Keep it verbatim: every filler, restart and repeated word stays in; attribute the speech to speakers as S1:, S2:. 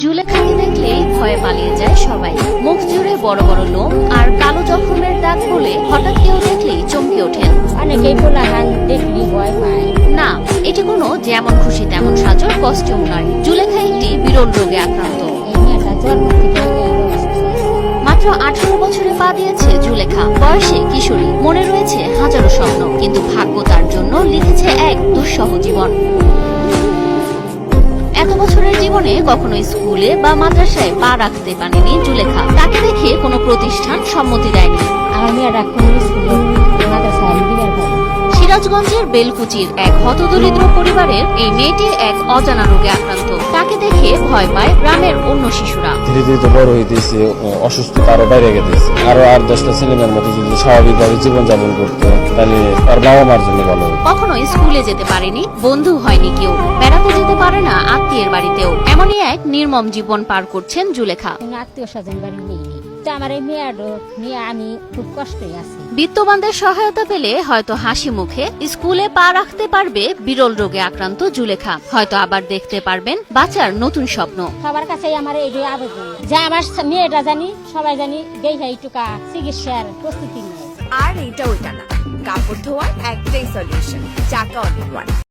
S1: জুলেখাকে দেখলেই ভয়ে পালিয়ে যায় সবাই। মুখ জুড়ে বড় বড় লোম আর কালো জখমের দাগ বলে হঠাৎ কেউ দেখলেই চমকে ওঠেন।
S2: অনেকেই পোলাহান দেখলি ভয় পায়।
S1: না, এটি কোনো যেমন খুশি তেমন সাজর কস্টিউম নয়। জুলেখা একটি বিরল রোগে আক্রান্ত।
S2: এই মেয়েটা জন্ম থেকে এই অবস্থা।
S1: মাত্র আঠারো বছরে পা দিয়েছে জুলেখা। বয়সে কিশোরী, মনে রয়েছে হাজারো স্বপ্ন, কিন্তু ভাগ্য তার জন্য লিখেছে এক দুঃসহ জীবন। এত বছরের জীবনে কখনো স্কুলে বা মাদ্রাসায় পা রাখতে পারেনি জুলেখা। তাকে দেখে কোনো প্রতিষ্ঠান সম্মতি দেয়নি।
S2: আমার মেয়েরা কোন স্কুলে মাদ্রাসায় দিবার পারে।
S1: সিরাজগঞ্জের বেলকুচির এক হতদরিদ্র পরিবারের এই মেয়েটি এক অজানা রোগে আক্রান্ত। তাকে দেখে ভয় পায় গ্রামের অন্য শিশুরা।
S3: ধীরে ধীরে তো বড় হইতেছে, অসুস্থতা আরো বাইরে গেছে। আরো আট দশটা ছেলেমেয়ের মতো যদি স্বাভাবিকভাবে জীবনযাপন করতো তাহলে তার বাবা মার জন্য ভালো হতো।
S1: কখনো স্কুলে যেতে পারেনি, বন্ধু হয়নি কেউ, বেড়াতে যেতে পারে না আত্মীয়ের বাড়িতেও। এমনই এক নির্মম জীবন পার করছেন জুলেখা।
S2: আত্মীয় স্বজন বাড়ি নেই। আমার এই মেয়েটা নিয়ে আমি খুব কষ্টে আছি।
S1: বিত্তবানদের সহায়তা পেলে হয়তো হাসি মুখে স্কুলে পা রাখতে পারবে বিরল রোগে আক্রান্ত জুলেখা। হয়তো আবার দেখতে পারবেন বাঁচার নতুন স্বপ্ন।
S2: সবার কাছে আমার এই আবেদন যে আমার মেয়েটা জানি সবাই জানি দেখে এইটুকা চিকিৎসার প্রস্তুতি নেয়।
S4: আর এইটা ওইটা না, কাপড় ধোয়ার একটাই সলিউশন, চাকা অল ইন ওয়ান।